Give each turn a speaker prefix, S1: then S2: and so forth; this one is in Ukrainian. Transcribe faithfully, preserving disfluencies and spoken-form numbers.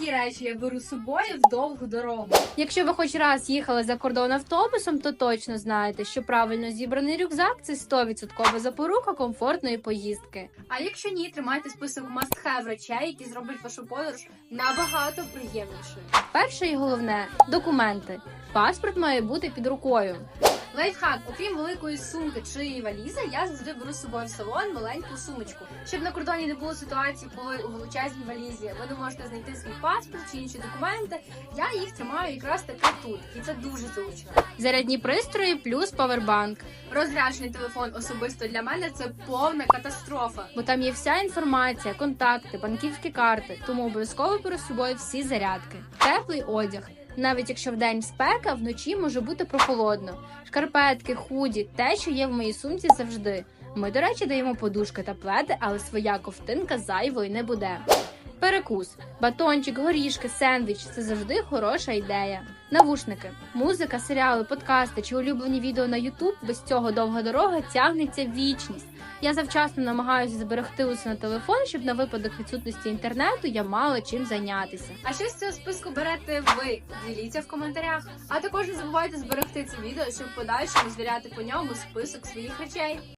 S1: Такі речі я беру з собою в довгу дорогу.
S2: Якщо ви хоч раз їхали за кордон автобусом, то точно знаєте, що правильно зібраний рюкзак – це сто відсотків запорука комфортної поїздки.
S1: А якщо ні, тримайте список must-have речей, які зроблять вашу подорож набагато приємнішою.
S2: Перше і головне – документи. Паспорт має бути під рукою.
S1: Лайфхак, окрім великої сумки чи валізи, я завжди беру з собою в салон маленьку сумочку. Щоб на кордоні не було ситуації, коли у величезній валізі ви не можете знайти свій паспорт чи інші документи, я їх тримаю якраз таки тут, і це дуже зручно.
S2: Зарядні пристрої плюс павербанк.
S1: Розряджений телефон особисто для мене це повна катастрофа.
S2: Бо там є вся інформація, контакти, банківські карти, тому обов'язково беру з собою всі зарядки. Теплий одяг. Навіть якщо вдень спека, вночі може бути прохолодно. Шкарпетки, худі, те, що є в моїй сумці завжди. Ми, до речі, даємо подушки та пледи, але своя ковтинка зайвою не буде. Перекус. Батончик, горішки, сендвіч – це завжди хороша ідея. Навушники. Музика, серіали, подкасти чи улюблені відео на ютуб – без цього довга дорога тягнеться вічність. Я завчасно намагаюся зберегти усе на телефон, щоб на випадок відсутності інтернету я мала чим зайнятися.
S1: А що з цього списку берете ви? Діліться в коментарях. А також не забувайте зберегти це відео, щоб в подальшому звіряти по ньому список своїх речей.